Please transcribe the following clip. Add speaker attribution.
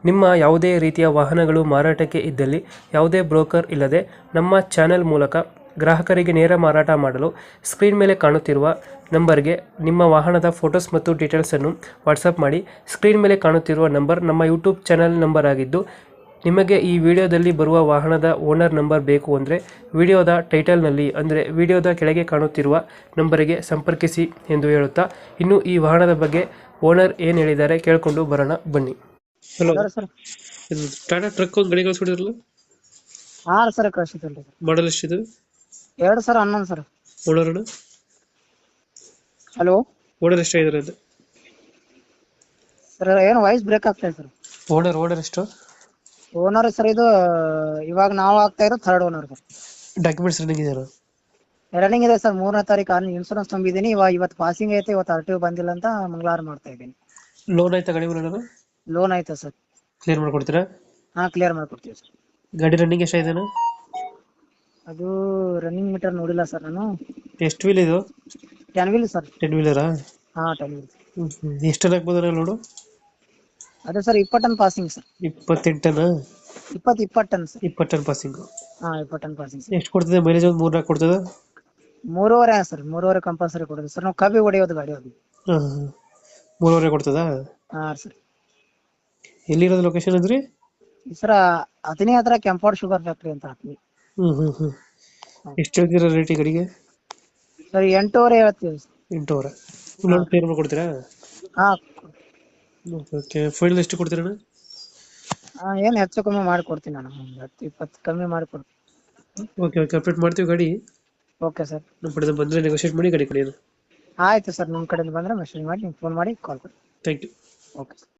Speaker 1: ನಿಮ್ಮ ಯಾವುದೇ ರೀತಿಯ ವಾಹನಗಳು ಮಾರಾಟಕ್ಕೆ ಇದ್ದಲ್ಲಿ ಯಾವುದೇ ಬ್ರೋಕರ್ ಇಲ್ಲದೆ ನಮ್ಮ ಚಾನೆಲ್ ಮೂಲಕ ಗ್ರಾಹಕರಿಗೆ ನೇರ ಮಾರಾಟ ಮಾಡಲು ಸ್ಕ್ರೀನ್ ಮೇಲೆ ಕಾಣುತ್ತಿರುವ ನಂಬರ್ಗೆ ನಿಮ್ಮ ವಾಹನದ ಫೋಟೋಸ್ ಮತ್ತು ಡೀಟೇಲ್ಸನ್ನು ವಾಟ್ಸಪ್ ಮಾಡಿ. ಸ್ಕ್ರೀನ್ ಮೇಲೆ ಕಾಣುತ್ತಿರುವ ನಂಬರ್ ನಮ್ಮ ಯೂಟ್ಯೂಬ್ ಚಾನೆಲ್ ನಂಬರ್ ಆಗಿದ್ದು, ನಿಮಗೆ ಈ ವಿಡಿಯೋದಲ್ಲಿ ಬರುವ ವಾಹನದ ಓನರ್ ನಂಬರ್ ಬೇಕು ಅಂದರೆ ವಿಡಿಯೋದ ಟೈಟಲ್ನಲ್ಲಿ ಅಂದರೆ ವಿಡಿಯೋದ ಕೆಳಗೆ ಕಾಣುತ್ತಿರುವ ನಂಬರಿಗೆ ಸಂಪರ್ಕಿಸಿ ಎಂದು ಹೇಳುತ್ತಾ, ಇನ್ನು ಈ ವಾಹನದ ಬಗ್ಗೆ ಓನರ್ ಏನು ಹೇಳಿದ್ದಾರೆ ಕೇಳಿಕೊಂಡು ಬರೋಣ ಬನ್ನಿ. Hello
Speaker 2: sir.
Speaker 1: ಇದು ಟಾಟಾ ಟ್ರಕ್ ಒಂದು ಗಾಡಿ ಕಳಿಸ್ಬಿಟ್ಟಿದ್ರಲ್ಲ,
Speaker 2: ಹಾ ಸರ್ ಕಳ್ಸಿದ್ರಿ ಸರ್.
Speaker 1: ಮಾಡಲ್ ಎಷ್ಟಿದೆ?
Speaker 2: 2011 ಸರ್.
Speaker 1: ಓನರ್
Speaker 2: ಹಲೋ
Speaker 1: ಓನರ್ ಎಷ್ಟಾಗಿದ್ದಾರೆ ಅದು?
Speaker 2: ಸರ್ ಏನು ವಾಯ್ಸ್ ಬ್ರೇಕ್ ಆಗ್ತಾ ಇದೆ ಸರ್.
Speaker 1: ಓನರ್ ಎಷ್ಟು?
Speaker 2: ಓನರ್ ಸರ್ ಇದು ಇವಾಗ ನಾವು ಆಗ್ತಾ ಇರೋ third owner sir.
Speaker 1: Documents running ಇದೆಯಲ್ಲ?
Speaker 2: ರನ್ನಿಂಗ್ ಇದೆ ಸರ್. 3ನೇ ತಾರೀಕು ಇನ್ಶೂರೆನ್ಸ್ ತುಂಬಿದ್ದೀನಿ. ಇವತ್ತು ಪಾಸಿಂಗ್ ಐತೆ, ಇವತ್ತು RTO ಬಂದಿಲ್ಲ ಅಂತ ಮಂಗಳವಾರ ಮಾಡ್ತಾ ಇದ್ದೀನಿ.
Speaker 1: ಲೋನ್ ಆಯ್ತಾ ಗಾಡಿ ಮೇಲೆ?
Speaker 2: ಲೋನ್ ಆಯ್ತಾ ಸರ್?
Speaker 1: ಕ್ಲಿಯರ್ ಮಾಡ್ಕೊಡ್ತೀರಾ?
Speaker 2: ಹಾ ಕ್ಲಿಯರ್ ಮಾಡ್ಕೊಡ್ತೀವಿ ಸರ್.
Speaker 1: ಗಾಡಿ ರನ್ನಿಂಗ್ ಎಷ್ಟಾಗಿದೆ?
Speaker 2: ಅದು ರನ್ನಿಂಗ್ ಮೀಟರ್ ನೋಡಿಲ್ಲ ಸರ್ ನಾನು.
Speaker 1: ಎಷ್ಟು ವೀಲ್ ಇದು?
Speaker 2: 10 ವೀಲ್ ಸರ್.
Speaker 1: 10 ವೀಲರಾ?
Speaker 2: ಹಾ 10 ವೀಲ್.
Speaker 1: ಎಷ್ಟು ಹಾಕ್ಬೋದಲ್ಲ ಲೋಡು?
Speaker 2: ಅದೇ sir 20 ton passing sir.
Speaker 1: 28 ton?
Speaker 2: 20 ton sir.
Speaker 1: 20 ton passing.
Speaker 2: ಹಾ 20 ಟನ್ ಪಾಸಿಂಗ್ ಸರ್.
Speaker 1: ಎಷ್ಟು ಕೊಡ್ತದೆ ಮೈಲೇಜ್? ಒಂದು 3-4 ಕೊಡ್ತದ?
Speaker 2: 3.5 ಸರ್. 3.5 ಕಂಪಲ್ಸರಿ ಕೊಡೋದು ಸರ್. ನಾವು ಕಬ್ಬಿ ಹೊಡೆಯೋದು ಗಾಡಿ ಅದು.
Speaker 1: 3.5 ಕೊಡ್ತದ?
Speaker 2: ಹಾ ಸರ್.
Speaker 1: ಎಲ್ಲಿರೋದು ಲೊಕೇಶನ್ ಅಂದ್ರಿ?
Speaker 2: ಸರ್ ಅತನಿ ಹತ್ರ ಕೆಂಪಾಡ್ ಶುಗರ್ ಫ್ಯಾಕ್ಟ್ರಿ ಅಂತ ಹಾಕ್ವಿ.
Speaker 1: ಎಷ್ಟು ಹೇಳ್ತೀರಾ ರೇಟ್ ಈ ಗಾಡಿಗೆ?
Speaker 2: ಸರ್ 8.5 ಹೇಳ್ತೀವಿ ಸರ್.
Speaker 1: 8,000 ಲೋನ್ ಕ್ಲಿಯರ್ ಮಾಡ್ಕೊಡ್ತೀರಾ?
Speaker 2: ಹಾ
Speaker 1: ಓಕೆ. ಫೈನಲ್ ಎಷ್ಟು ಕೊಡ್ತೀರಾ?
Speaker 2: ಏನು ಹೆಚ್ಚು ಕಮ್ಮಿ ಮಾಡಿಕೊಡ್ತೀನಿ ನಾನು. 10-20 ಕಮ್ಮಿ ಮಾಡಿಕೊಡ್ತೀನಿ.
Speaker 1: ಓಕೆ ಅಪ್ಡೇಟ್ ಮಾಡ್ತೀವಿ ಗಾಡಿ.
Speaker 2: Okay sir.
Speaker 1: ನಮ್ಮ ಕಡೆ ಬಂದರೆ ನೆಗೋಷಿಯೇಟ್ ಮಾಡಿ ಗಾಡಿ ಕೊಡಿ.
Speaker 2: ಆಯ್ತು ಸರ್. ನಿಮ್ಮ ಕಡೆಯಿಂದ ಬಂದರೆ ಮೆಸೇಜ್ ಮಾಡಿ, ಫೋನ್ ಮಾಡಿ, ಕಾಲ್ ಮಾಡಿ.
Speaker 1: Thank you.
Speaker 2: Okay sir.